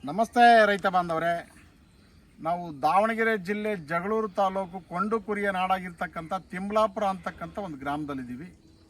ನಮಸ್ತೆ ರೈತ ಬಾಂಧವರೇ, ನಾವು ದಾವಣಗೆರೆ ಜಿಲ್ಲೆ ಜಗಳೂರು ತಾಲೂಕು ಕೊಂಡು ಕುರಿಯ ನಾಡಾಗಿರ್ತಕ್ಕಂಥ ತಿಮ್ಲಾಪುರ ಅಂತಕ್ಕಂಥ ಒಂದು ಗ್ರಾಮದಲ್ಲಿದ್ದೀವಿ.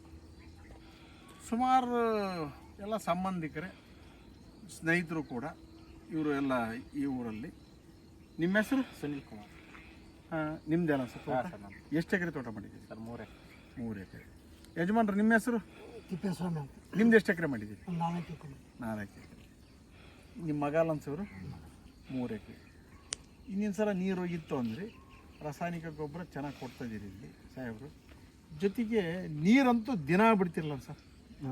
ಸುಮಾರು ಎಲ್ಲ ಸಂಬಂಧಿಕರೇ ಸ್ನೇಹಿತರು ಕೂಡ ಇವರು ಎಲ್ಲ ಈ ಊರಲ್ಲಿ. ನಿಮ್ಮ ಹೆಸರು? ಸುನಿಲ್ ಕುಮಾರ್. ನಿಮ್ದೇನ ಸರ್? ಎಷ್ಟು ಎಕರೆ ತೋಟ ಮಾಡಿದ್ದೀರಿ ಸರ್? 3 ಎಕರೆ. ಯಜಮಾನ್ರು ನಿಮ್ಮ ಹೆಸರು? ತಿಪ್ಪೇಸ್ವಾಮಿ. ನಿಮ್ದು ಎಷ್ಟು ಎಕರೆ ಮಾಡಿದ್ದೀರಿ? 4 ಎಕರೆ. 4 ಎಕರೆ. ನಿಮ್ಮ ಮಗ ಅನ್ಸವರು 3 ಎಕರೆ. ಇನ್ನೊಂದು ಸಲ ನೀರು ಇತ್ತು ಅಂದರೆ ರಾಸಾಯನಿಕ ಗೊಬ್ಬರ ಚೆನ್ನಾಗಿ ಕೊಡ್ತಾಯಿದ್ದೀರಿ ಇಲ್ಲಿ ಸಾಹೇಬರು. ಜೊತೆಗೆ ನೀರಂತೂ ದಿನ ಬಿಡ್ತಿರಲ್ಲ ಸರ್,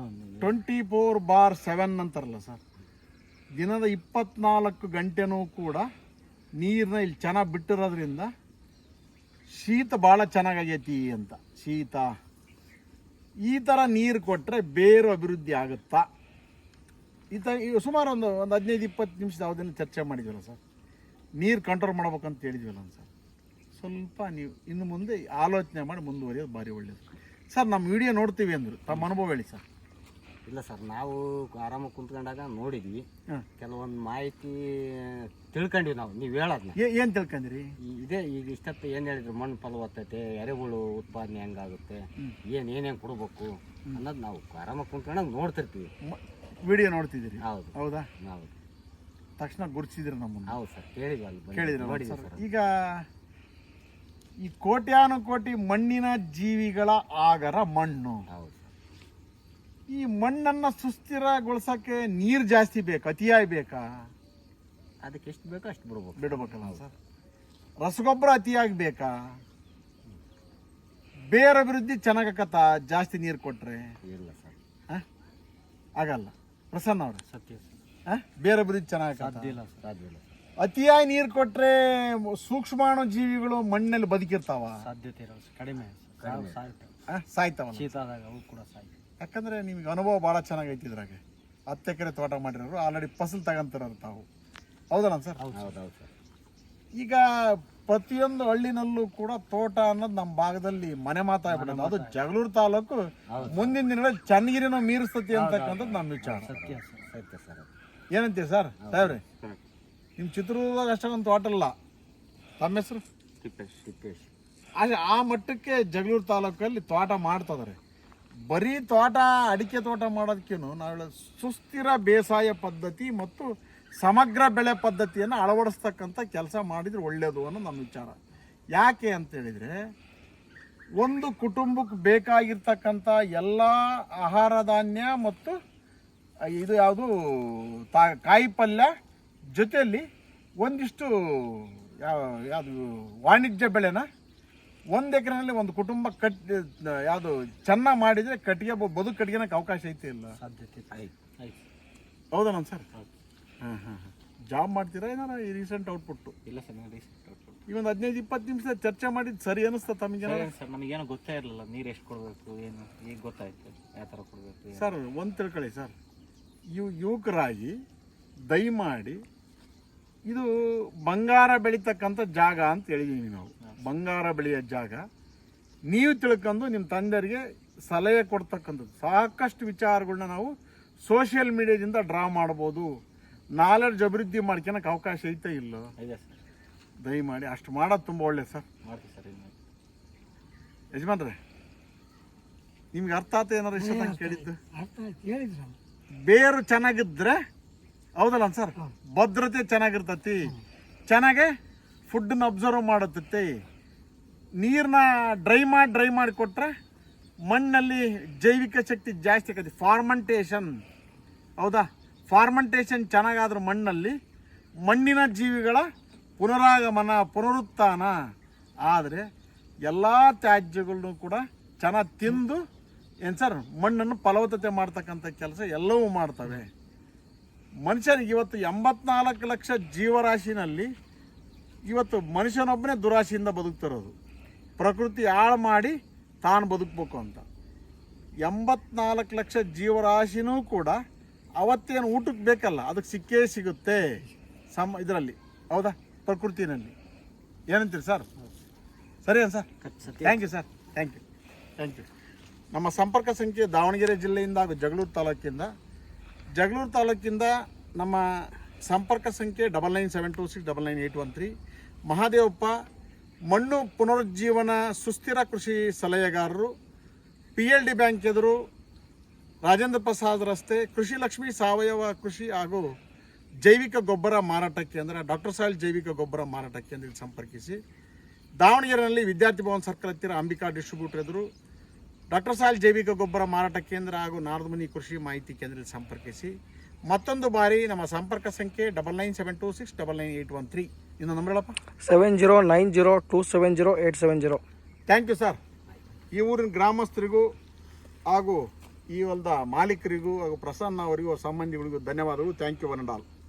24/7 ಅಂತಾರಲ್ಲ ಸರ್. ದಿನದ 24 ಗಂಟೆನೂ ಕೂಡ ನೀರನ್ನ ಇಲ್ಲಿ ಚೆನ್ನಾಗಿ ಬಿಟ್ಟಿರೋದ್ರಿಂದ ಶೀತ ಭಾಳ ಚೆನ್ನಾಗೈತಿ ಅಂತ. ಶೀತ ಈ ಥರ ನೀರು ಕೊಟ್ಟರೆ ಬೇರು ಅಭಿವೃದ್ಧಿ ಆಗುತ್ತಾ? ಸುಮಾರು ಒಂದು 15-20 ನಿಮಿಷದ ಅವಧಿಯಲ್ಲಿ ಚರ್ಚೆ ಮಾಡಿದ್ವಲ್ಲ ಸರ್. ನೀರು ಕಂಟ್ರೋಲ್ ಮಾಡ್ಬೇಕಂತ ಹೇಳಿದ್ವಲ್ಲ ಸರ್. ಸ್ವಲ್ಪ ನೀವು ಇನ್ನು ಮುಂದೆ ಆಲೋಚನೆ ಮಾಡಿ ಮುಂದುವರಿಯೋದು ಭಾರಿ ಒಳ್ಳೆಯದು ಸರ್. ನಮ್ಮ ವಿಡಿಯೋ ನೋಡ್ತೀವಿ ಅಂದರು, ತಮ್ಮ ಅನುಭವ ಹೇಳಿ ಸರ್. ಇಲ್ಲ ಸರ್, ನಾವು ಆರಾಮಾಗಿ ಕುಂತ್ಕೊಂಡಾಗ ನೋಡಿದ್ವಿ, ಕೆಲವೊಂದು ಮಾಹಿತಿ ತಿಳ್ಕೊಂಡಿವಿ ನಾವು. ನೀವು ಹೇಳೋದನ್ನ ಏನು ತಿಳ್ಕೊಂಡಿರಿ? ಇದೇ ಈಗ ಇಷ್ಟತ್ತು ಏನು ಹೇಳಿದ್ರು, ಮಣ್ಣು ಫಲವತ್ತತೆ, ಎರೆಹುಳು ಉತ್ಪಾದನೆ ಹೆಂಗಾಗುತ್ತೆ, ಏನೇನು ಕೊಡ್ಬೇಕು ಅನ್ನೋದು ನಾವು ಆರಾಮಾಗಿ ಕುಂತ್ಕೊಂಡಾಗ ನೋಡ್ತಿರ್ತೀವಿ. ವಿಡಿಯೋ ನೋಡ್ತಿದ್ದೀರಿ? ಹೌದು. ಹೌದಾ? ಹೌದು. ತಕ್ಷಣ ಗುರುತಿಸಿದ್ರಿ ನಮ್ಮನ್ನು? ಹೌದು ಸರ್, ಕೇಳಿದ್ವಿ, ಅಲ್ಲಿ ಕೇಳಿದ್ರಿ ಸರ್. ಈಗ ಈ ಕೋಟ್ಯಾನುಕೋಟಿ ಮಣ್ಣಿನ ಜೀವಿಗಳ ಆಗರ ಮಣ್ಣು. ಹೌದು. ಈ ಮಣ್ಣನ್ನು ಸುಸ್ಥಿರಗೊಳಿಸೋಕ್ಕೆ ನೀರು ಜಾಸ್ತಿ ಬೇಕು, ಅತಿಯಾಗಿ ಬೇಕಾ? ಅದಕ್ಕೆ ಎಷ್ಟು ಬೇಕೋ ಅಷ್ಟು ಬಿಡಬೇಕಲ್ಲ ಸರ್. ರಸಗೊಬ್ಬರ ಅತಿಯಾಗಿ ಬೇಕಾ? ಬೇರೆ ಅಭಿವೃದ್ಧಿ ಚೆನ್ನಾಗತ್ತ ಜಾಸ್ತಿ ನೀರು ಕೊಟ್ರೆ? ಇಲ್ಲ ಸರ್, ಆಗಲ್ಲ. ಪ್ರಸನ್ನ ಅವ್ರೆ, ಸತ್ಯ ಬೇರೆ ಅಭಿವೃದ್ಧಿ ಚೆನ್ನಾಗಿ ಸಾಧ್ಯ ಇಲ್ಲ ಸರ್. ಅತಿಯಾಗಿ ನೀರು ಕೊಟ್ರೆ ಸೂಕ್ಷ್ಮಾಣು ಜೀವಿಗಳು ಮಣ್ಣಲ್ಲಿ ಬದುಕಿರ್ತಾವ? ಸಾಧ್ಯತೆ ಇರೋದು ಕಡಿಮೆ, ಸಾಯ್ತಾವ. ಶೀತ ಆದಾಗ ಅವು ಕೂಡ ಸಾಯ್ತಾವೆ. ಯಾಕಂದ್ರೆ ನಿಮಗೆ ಅನುಭವ ಭಾಳ ಚೆನ್ನಾಗೈತಿ ಇದ್ರಾಗೆ. 10 ಎಕರೆ ತೋಟ ಮಾಡಿರೋರು, ಆಲ್ರೆಡಿ ಫಸಲು ತಗೊಂತಾರ ತಾವು, ಹೌದಲ್ಲ ಸರ್? ಹೌದೌದು ಸರ್. ಈಗ ಪ್ರತಿಯೊಂದು ಹಳ್ಳಿನಲ್ಲೂ ಕೂಡ ತೋಟ ಅನ್ನೋದು ನಮ್ಮ ಭಾಗದಲ್ಲಿ ಮನೆ ಮಾತಾಡ್ಬಿಡೋದು. ಅದು ಜಗಳೂರು ತಾಲೂಕು ಮುಂದಿನ ದಿನಗಳಲ್ಲಿ ಚನ್ನಗಿರಿನೂ ಮೀರಿಸ್ತತಿ ಅಂತಕ್ಕಂಥದ್ದು ನಮ್ಮ ವಿಚಾರ. ಸತ್ಯ ಸತ್ಯ ಸರ್. ಏನಂತೀವಿ ಸರ್ ಸಾಹೇಬ್ರೆ? ನಿಮ್ಮ ಚಿತ್ರದುರ್ಗದಾಗ ಅಷ್ಟೊಂದು ತೋಟ ಇಲ್ಲ. ತಮ್ಮ ಹೆಸರು? ತಿಪ್ಪೇಶ್. ಆ ಮಟ್ಟಕ್ಕೆ ಜಗಳೂರು ತಾಲೂಕಲ್ಲಿ ತೋಟ ಮಾಡ್ತಿದ್ದಾರೆ. ಬರೀ ತೋಟ, ಅಡಿಕೆ ತೋಟ ಮಾಡೋದಕ್ಕೇನು ನಾವು ಸುಸ್ಥಿರ ಬೇಸಾಯ ಪದ್ಧತಿ ಮತ್ತು ಸಮಗ್ರ ಬೆಳೆ ಪದ್ಧತಿಯನ್ನು ಅಳವಡಿಸ್ತಕ್ಕಂಥ ಕೆಲಸ ಮಾಡಿದರೆ ಒಳ್ಳೆಯದು ಅನ್ನೋ ನಮ್ಮ ವಿಚಾರ. ಯಾಕೆ ಅಂತೇಳಿದರೆ, ಒಂದು ಕುಟುಂಬಕ್ಕೆ ಬೇಕಾಗಿರ್ತಕ್ಕಂಥ ಎಲ್ಲ ಆಹಾರ ಧಾನ್ಯ ಮತ್ತು ಇದು ಯಾವುದು ಕಾಯಿ ಪಲ್ಯ ಜೊತೆಯಲ್ಲಿ ಒಂದಿಷ್ಟು ಯಾವುದು ವಾಣಿಜ್ಯ ಬೆಳೆನ 1 ಎಕರೆನಲ್ಲಿ ಒಂದು ಕುಟುಂಬ ಯಾವುದು ಚೆನ್ನಾಗಿ ಮಾಡಿದರೆ ಬದುಕು ಕಟ್ಟಿಗೆನಕ್ಕೆ ಅವಕಾಶ ಐತೆ ಇಲ್ಲ? ಸಾಧ್ಯತೆ ಹೌದಾ ನಮ್ಮ ಸರ್? ಜಾಬ್ ಮಾಡ್ತೀರಾ ಏನಾರ ಈ ರೀಸೆಂಟ್ ಔಟ್ಪುಟ್ಟು? ಇಲ್ಲ ಸರ್, ರೀಸೆಂಟ್ ಔಟ್ಪುಟ್. ಈ ಒಂದು 15-20 ನಿಮಿಷ ಚರ್ಚೆ ಮಾಡಿದ್ದು ಸರಿ ಅನಿಸ್ತಾ ತಮಗೆ? ಸರ್, ನಮಗೇನು ಗೊತ್ತೇ ಇರಲಿಲ್ಲ, ನೀರು ಎಷ್ಟು ಕೊಡಬೇಕು ಏನು. ಈಗ ಗೊತ್ತಾಯ್ತು ಯಾವ ಥರ ಕೊಡಬೇಕು ಸರ್. ಒಂದು ತಿಳ್ಕೊಳ್ಳಿ ಸರ್, ಯುವಕರಾಗಿ ದಯಮಾಡಿ ಇದು ಬಂಗಾರ ಬೆಳೀತಕ್ಕಂಥ ಜಾಗ ಅಂತ ಹೇಳಿದೀವಿ ನಾವು. ಬಂಗಾರ ಬೆಳೆಯೋ ಜಾಗ. ನೀವು ತಿಳ್ಕೊಂಡು ನಿಮ್ಮ ತಂದೆಯರಿಗೆ ಸಲಹೆ ಕೊಡ್ತಕ್ಕಂಥದ್ದು. ಸಾಕಷ್ಟು ವಿಚಾರಗಳನ್ನ ನಾವು ಸೋಷಿಯಲ್ ಮೀಡಿಯಾದಿಂದ ಡ್ರಾ ಮಾಡ್ಬೋದು. ನಾಲೆಡ್ಜ್ ಅಭಿವೃದ್ಧಿ ಮಾಡ್ಕೊಳಕ್ಕೆ ಅವಕಾಶ ಐತೆ ಇಲ್ಲ? ದಯಮಾಡಿ ಅಷ್ಟು ಮಾಡೋದು ತುಂಬ ಒಳ್ಳೆಯದು ಸರ್. ಮಾಡ್ತೀವಿ ಸರ್. ಯಜಮಾನ್ರೆ, ನಿಮ್ಗೆ ಅರ್ಥ ಆತ ಏನಾರು ಇಷ್ಟ ಕೇಳಿದ್ದು? ಹೇಳಿದ್ರು ಬೇರು ಚೆನ್ನಾಗಿದ್ರೆ, ಹೌದಲ್ಲ ಸರ್, ಭದ್ರತೆ ಚೆನ್ನಾಗಿರ್ತತಿ, ಚೆನ್ನಾಗೆ ಫುಡ್ಡನ್ನ ಅಬ್ಸರ್ವ್ ಮಾಡತೈತಿ. ನೀರನ್ನ ಡ್ರೈ ಮಾಡಿ ಕೊಟ್ಟರೆ ಮಣ್ಣಲ್ಲಿ ಜೈವಿಕ ಶಕ್ತಿ ಜಾಸ್ತಿ ಆಕತಿ. ಫಾರ್ಮೆಂಟೇಷನ್, ಹೌದಾ? ಫಾರ್ಮೆಂಟೇಷನ್ ಚೆನ್ನಾಗಾದ್ರೆ ಮಣ್ಣಿನ ಜೀವಿಗಳ ಪುನರಾಗಮನ, ಪುನರುತ್ಥಾನ ಆದರೆ ಎಲ್ಲ ತ್ಯಾಜ್ಯಗಳನ್ನು ಕೂಡ ಚೆನ್ನಾಗಿ ತಿಂದು ಏನು ಸರ್ ಮಣ್ಣನ್ನು ಫಲವತ್ತತೆ ಮಾಡ್ತಕ್ಕಂಥ ಕೆಲಸ ಎಲ್ಲವೂ ಮಾಡ್ತವೆ. ಮನುಷ್ಯನಿಗೆ ಇವತ್ತು 84 ಲಕ್ಷ ಜೀವರಾಶಿನಲ್ಲಿ ಇವತ್ತು ಮನುಷ್ಯನೊಬ್ಬನೇ ದುರಾಶೆಯಿಂದ ಬದುಕ್ತಿರೋದು. ಪ್ರಕೃತಿ ಹಾಳು ಮಾಡಿ ತಾನು ಬದುಕಬೇಕು ಅಂತ. 84 ಲಕ್ಷ ಜೀವರಾಶಿನೂ ಕೂಡ ಅವತ್ತೇನು ಊಟಕ್ಕೆ ಬೇಕಲ್ಲ, ಅದಕ್ಕೆ ಸಿಕ್ಕೇ ಸಿಗುತ್ತೆ ಇದರಲ್ಲಿ, ಹೌದಾ? ಪ್ರಕೃತಿನಲ್ಲಿ. ಏನಂತೀರಿ ಸರ್? ಸರಿ sir? Thank you sir, thank you. ನಮ್ಮ ಸಂಪರ್ಕ ಸಂಖ್ಯೆ ದಾವಣಗೆರೆ ಜಿಲ್ಲೆಯಿಂದ ಹಾಗೂ ಜಗಳೂರು ತಾಲೂಕಿಂದ ನಮ್ಮ ಸಂಪರ್ಕ ಸಂಖ್ಯೆ 9972699813. ಮಹಾದೇವಪ್ಪ, ಮಣ್ಣು ಪುನರುಜ್ಜೀವನ ಸುಸ್ಥಿರ ಕೃಷಿ ಸಲಹೆಗಾರರು, PLD ಬ್ಯಾಂಕ್ ಎದುರು, ರಾಜೇಂದ್ರ ಪ್ರಸಾದ್ ರಸ್ತೆ, ಕೃಷಿ ಲಕ್ಷ್ಮಿ ಸಾವಯವ ಕೃಷಿ ಹಾಗೂ ಜೈವಿಕ ಗೊಬ್ಬರ ಮಾರಾಟ ಕೇಂದ್ರ, ಡಾಕ್ಟರ್ ಸಾಯಿಲ್ ಜೈವಿಕ ಗೊಬ್ಬರ ಮಾರಾಟ ಕೇಂದ್ರ ಸಂಪರ್ಕಿಸಿ. ದಾವಣಗೆರೆಯಲ್ಲಿ ವಿದ್ಯಾರ್ಥಿ ಭವನ್ ಸರ್ಕಲ್ ಹತ್ತಿರ ಅಂಬಿಕಾ ಡಿಸ್ಟ್ರಿಬ್ಯೂಟರ್ ಎದುರು ಡಾಕ್ಟರ್ ಸಾಯಿಲ್ ಜೈವಿಕ ಗೊಬ್ಬರ ಮಾರಾಟ ಕೇಂದ್ರ ಹಾಗೂ ನಾರದಮುನಿ ಕೃಷಿ ಮಾಹಿತಿ ಕೇಂದ್ರದಲ್ಲಿ ಸಂಪರ್ಕಿಸಿ. ಮತ್ತೊಂದು ಬಾರಿ ನಮ್ಮ ಸಂಪರ್ಕ ಸಂಖ್ಯೆ 9972699813. ಇನ್ನೊಂದು ನಂಬರ್ ಹೇಳಪ್ಪ. 7090270870. Thank you sir. ಈ ಊರಿನ ಗ್ರಾಮಸ್ಥರಿಗೂ ಹಾಗೂ ಈ ಹೊಲದ ಮಾಲೀಕರಿಗೂ ಹಾಗೂ ಪ್ರಸನ್ನ ಅವರಿಗೂ ಸಂಬಂಧಿಗಳಿಗೂ ಧನ್ಯವಾದಗಳು. Thank you one and all.